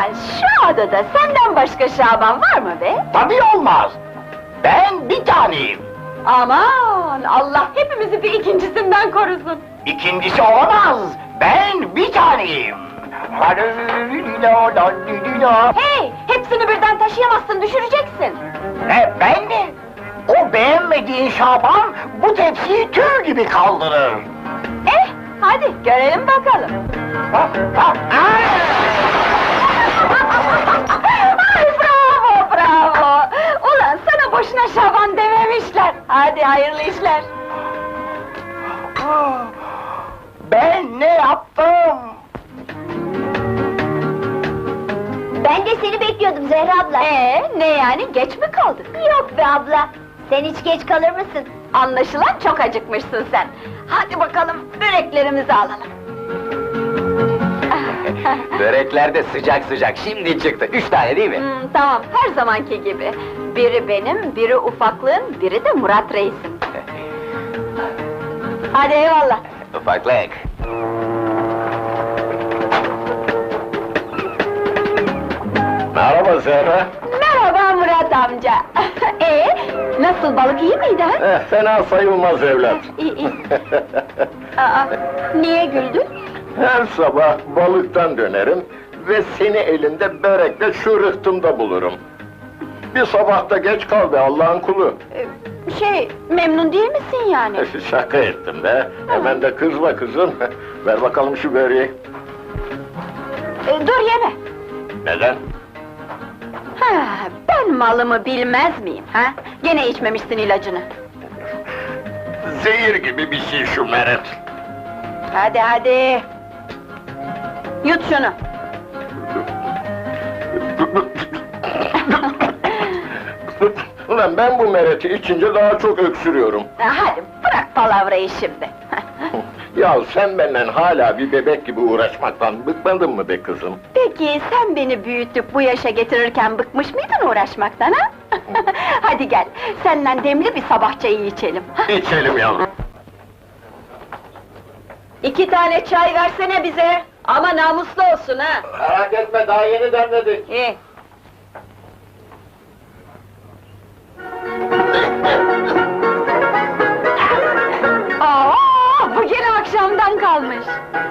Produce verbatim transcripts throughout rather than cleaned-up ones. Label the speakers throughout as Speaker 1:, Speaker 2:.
Speaker 1: şu adada senden başka Şaban var mı be?
Speaker 2: Tabii olmaz! Ben bir taneyim!
Speaker 1: Aman, Allah hepimizi bir ikincisinden korusun!
Speaker 2: İkincisi olamaz! Ben bir taneyim!
Speaker 1: Hey, hepsini birden taşıyamazsın, düşüreceksin!
Speaker 2: E ben de! O beğenmediğin Şaban, bu tepsiyi tüy gibi kaldırır!
Speaker 1: Eh, hadi görelim bakalım!
Speaker 2: Ha, ha, ay!
Speaker 1: Ay bravo, bravo! Ulan sana boşuna Şaban dememişler! Hadi hayırlı işler!
Speaker 2: Ben ne yaptım?
Speaker 3: Ben de seni bekliyordum Zehra abla.
Speaker 1: Ee, ne yani, geç mi kaldık?
Speaker 3: Yok be abla, sen hiç geç kalır mısın?
Speaker 1: Anlaşılan çok acıkmışsın sen! Hadi bakalım, böreklerimizi alalım!
Speaker 4: Börekler de sıcak sıcak, şimdi çıktı. Üç tane değil mi?
Speaker 1: Hmm, tamam, her zamanki gibi. Biri benim, biri ufaklığın, biri de Murat Reis'in. Hadi eyvallah!
Speaker 4: Ufaklık. Merhaba Zehra.
Speaker 1: Merhaba Murat amca! Ee, nasıl, balık iyi miydi ha?
Speaker 4: Eh, fena sayılmaz evlat.
Speaker 1: İyi, iyi. Aa, niye güldün?
Speaker 4: Her sabah balıktan dönerim ve seni elinde börekle şu rıhtımda bulurum. Bir sabah da geç kal be Allah'ın kulu.
Speaker 1: Ee, şey, memnun değil misin yani?
Speaker 4: Şaka ettim be. Hemen de kızma kızım. Ver bakalım şu böreği.
Speaker 1: Ee, dur yeme!
Speaker 4: Neden?
Speaker 1: Ha, ben malımı bilmez miyim ha? Gene içmemişsin ilacını.
Speaker 4: Zehir gibi bir şey şu meret.
Speaker 1: Hadi hadi! Yut şunu!
Speaker 4: Ulan ben bu mereti içince daha çok öksürüyorum.
Speaker 1: Hadi bırak palavrayı şimdi!
Speaker 4: Ya sen benden hala bir bebek gibi uğraşmaktan bıkmadın mı be kızım?
Speaker 1: Peki sen beni büyütüp bu yaşa getirirken bıkmış mıydın uğraşmaktan ha? Hadi gel, senden demli bir sabah çayı içelim.
Speaker 4: İçelim yavrum.
Speaker 1: İki tane çay versene bize! Ama namuslu olsun ha!
Speaker 4: Merak etme daha yeni demledik.
Speaker 1: İyi. Aa, bu gene akşamdan kalmış!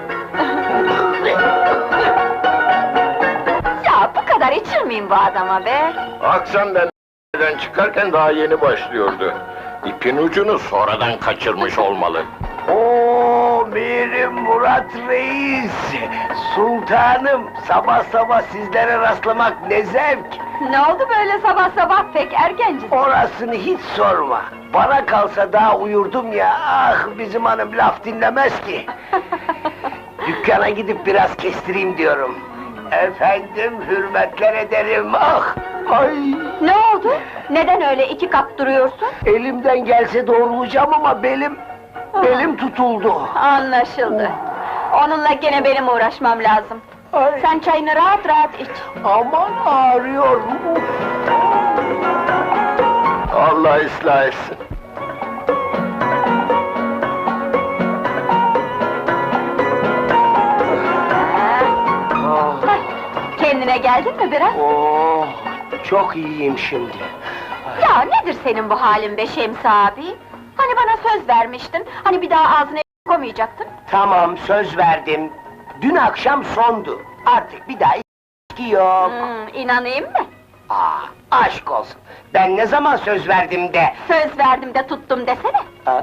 Speaker 1: Ya bu kadar içir miyim bu adama be?
Speaker 4: Akşam ben evden çıkarken daha yeni başlıyordu. İpin ucunu sonradan kaçırmış olmalı.
Speaker 2: Oo, benim Murat Reis! Sultanım, sabah sabah sizlere rastlamak ne zevk!
Speaker 1: Ne oldu böyle sabah sabah, pek erkencisin?
Speaker 2: Orasını hiç sorma! Bana kalsa daha uyurdum ya, ah bizim hanım laf dinlemez ki! Dükkana gidip biraz kestireyim diyorum. Efendim, hürmetler ederim, ah! Ay!
Speaker 1: Ne oldu? Neden öyle iki kap duruyorsun?
Speaker 2: Elimden gelse doğrulayacağım ama belim... belim tutuldu!
Speaker 1: Anlaşıldı. Onunla gene benim uğraşmam lazım.
Speaker 2: Ay.
Speaker 1: Sen çayını rahat rahat iç.
Speaker 2: Aman ağrıyor!
Speaker 4: Allah ıslah etsin.
Speaker 2: Ah,
Speaker 1: Hah, kendine geldin mi biraz?
Speaker 2: oh, çok iyiyim şimdi.
Speaker 1: Ya nedir senin bu halin be Şemsi abi? Hani bana söz vermiştin, hani bir daha ağzına koymayacaktın?
Speaker 2: Tamam, söz verdim. Dün akşam sondu. Artık bir daha içki yok.
Speaker 1: Hmm, inanayım mı?
Speaker 2: Aa, aşk olsun. Ben ne zaman söz verdim de...
Speaker 1: Söz verdim de tuttum desene.
Speaker 2: Aa,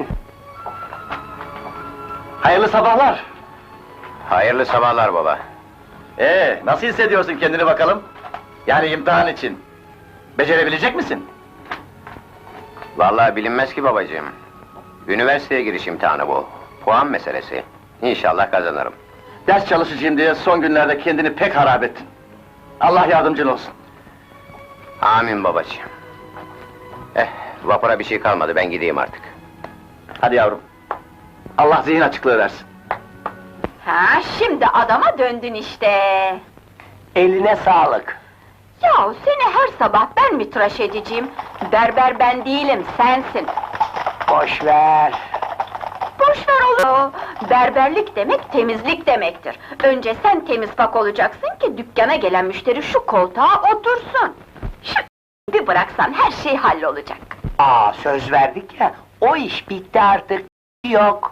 Speaker 4: Hayırlı sabahlar.
Speaker 5: Hayırlı sabahlar baba.
Speaker 4: Ee, nasıl hissediyorsun kendini bakalım? Yani imtihan için. Becerebilecek misin?
Speaker 5: Vallahi bilinmez ki babacığım. Üniversiteye giriş imtihanı bu. Puan meselesi. İnşallah kazanırım.
Speaker 4: Ders çalışacağım diye son günlerde kendini pek harap ettin. Allah yardımcın olsun.
Speaker 5: Amin babacığım. Eh, vapura bir şey kalmadı, ben gideyim artık.
Speaker 4: Hadi yavrum. Allah zihin açıklığı versin.
Speaker 1: Ha, şimdi adama döndün işte.
Speaker 2: eline sağlık.
Speaker 1: Ya seni her sabah ben mi tıraş edeceğim? Berber ben değilim, sensin.
Speaker 2: Boş ver.
Speaker 1: Boş ver olur? Berberlik demek temizlik demektir. Önce sen temiz pak olacaksın ki dükkana gelen müşteri şu koltuğa otursun. Şu bir bıraksan her şey hallolacak.
Speaker 2: Aa, söz verdik ya, o iş bitti artık, yok.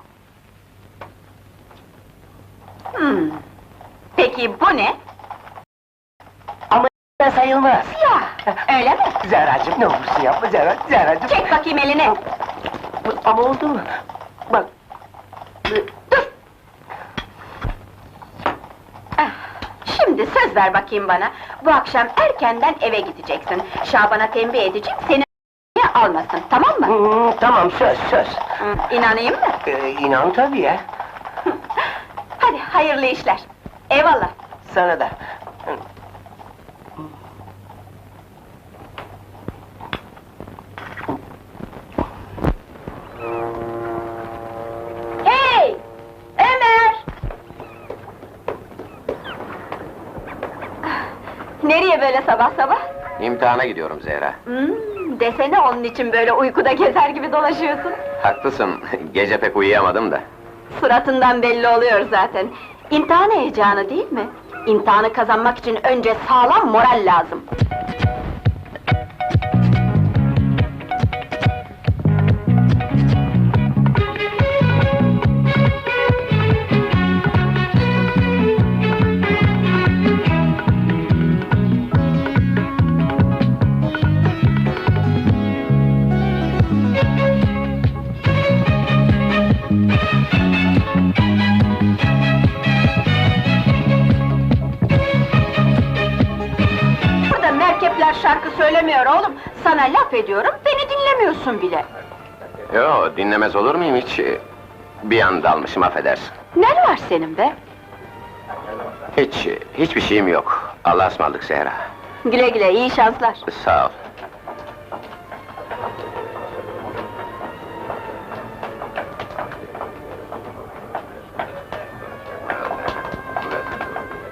Speaker 1: Hmm. Peki bu ne?
Speaker 2: Ama da sayılmaz.
Speaker 1: Ya, öyle mi?
Speaker 2: Zehracığım, ne olursun yapma Zehra, Zehracığım.
Speaker 1: Çek bakayım elini.
Speaker 2: Ama oldu mu? Bak,
Speaker 1: Dur! Ah, şimdi söz ver bakayım bana. Bu akşam erkenden eve gideceksin. Şaban'a tembih edeceğim, seni almasın, tamam mı?
Speaker 2: hmm, tamam, söz, söz.
Speaker 1: Hı, İnanayım mı?
Speaker 2: Ee, inan tabii ya,
Speaker 1: Hadi, hayırlı işler. Eyvallah.
Speaker 2: sana da.
Speaker 1: Hey! Ömer! Nereye böyle sabah sabah?
Speaker 5: İmtihana gidiyorum Zehra.
Speaker 1: Hmm, desene onun için böyle uykuda gezer gibi dolaşıyorsun.
Speaker 5: Haklısın, gece pek uyuyamadım da.
Speaker 1: Suratından belli oluyor zaten. İmtihan heyecanı değil mi? İmtihanı kazanmak için önce sağlam moral lazım. Burada merkepler şarkı söylemiyor oğlum. Sana laf ediyorum, beni dinlemiyorsun bile.
Speaker 5: Yo, dinlemez olur muyum hiç? Bir an dalmışım, affedersin.
Speaker 1: Ne var senin be?
Speaker 5: Hiç, hiçbir şeyim yok. Allah'a ısmarladık Zehra.
Speaker 1: Güle güle, iyi şanslar.
Speaker 5: Sağ ol.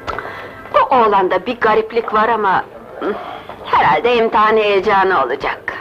Speaker 1: Bu oğlanda bir gariplik var ama... hmm, herhalde imtihan heyecanı olacak.